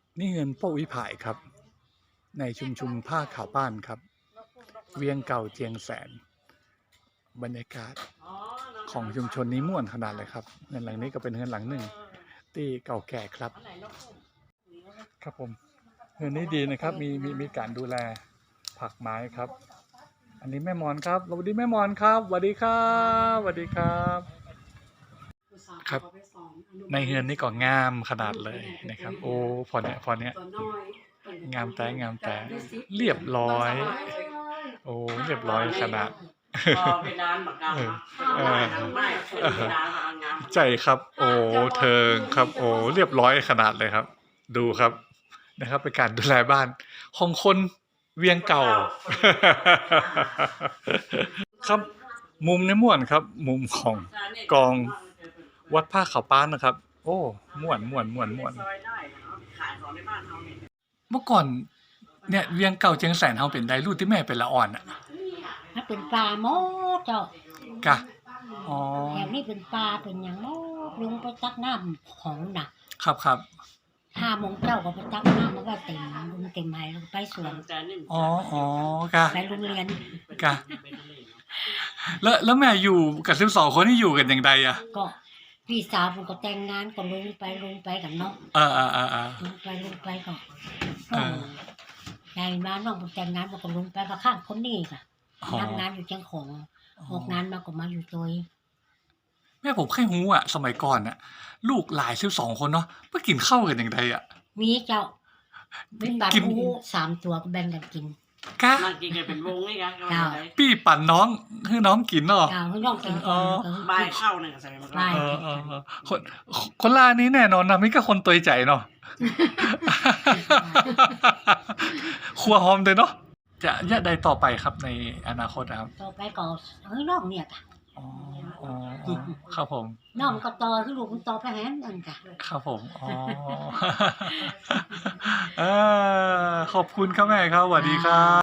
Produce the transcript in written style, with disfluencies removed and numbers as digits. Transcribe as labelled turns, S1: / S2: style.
S1: นี่เงินโป้วิภายครับในชุมชนผ้าขาวบ้านครับเวียงเก่าเจียงแสนบรรยากาศของชุมชนนี้ม่วนขนาดเลยครับเงินหลังนี้ก็เป็นเงินหลังหนึ่งที่เก่าแก่ครับครับผมเงินนี้ดีนะครับมีการดูแลผักไม้ครับอันนี้แม่มอนครับสวัสดีแม่มอนครับสวัสดีครับสวัสดีครับครับในเฮือนนี่ก็งามขนาดเลยนะครับโอ้พอเนี้ยงามแต่เรียบร้อยโอ้เรียบร้อยขนาด
S2: เพดานบักกาไม่เพดานงาม
S1: ใจครับโอ้เธอครับโอ้เรียบร้อยขนาดเลยครับดูครับนะครับเป็นการดูแลบ้านของคนเวียงเก่าครับมุมในม่วนครับมุมของกองวัดผ้าขาวป้านนะครับโอ้ม่วนเมื่อก่อนเนี่ยเวียงเก่าเจียงแสนเฮาเป็นไดรูดที่แม่เป็นละอ่อนอ่ะ
S3: ถ้าเป็นปลาหมอเจ้าก
S1: ะอ๋อ
S3: แถวนี้เป็นปลาเป็นอย่างหมอลงไปตักน้ำของน่ะ
S1: ครับ
S3: 5 โมงเจ้าก็ไปตักน้ำมันก็เต็มลุงเต็มไหลงไปสวน
S1: อ๋อ กะ
S3: ไปโรงเรียน
S1: กะแล้วแม่อยู่กับ12คนที่อยู่กันอย่างใดอ่ะ
S3: ก็พี่สาวผมก็แต่งงานก็ลงไปกับน้องลงไปก็ยายมาน้องผมแต่งงานผมก็ลงไปกับข้างคนนี้ค่ะทำงานอยู่เชียงของออกงานมาก็มาอยู่ตัว
S1: แม่ผมแค่หูอ่ะสมัยก่อนอ่ะลูกหลาย12คนเนาะเพื่อกินข้าวกันอย่างใดอ่ะ
S3: มีเจ้าเป็นบาทหมู3 ตัวก็แบ่งกันกิน
S1: กะ
S2: นั่งกินกันเป็นวงนี่กัน
S1: พี่ปั่นน้องให้น้องกินเนาะ
S3: ให้น้องกิน
S2: บ่ายเข้าเนี่ยใส่มา
S1: คนล่านี้แน่นอนนะมิก็คนตัวใจเนาะครัวหอมเลยเนาะจะได้ต่อไปครับในอนาคตนะครับ
S3: ต่อไปก็น้องเนี่ยค่ะ
S1: ครับผม
S3: น้องก็ต่อคือลูกมันต่อไปแหนนั่นค่ะ
S1: ครับผมขอบคุณครับแม่ครับสวัสดีครับ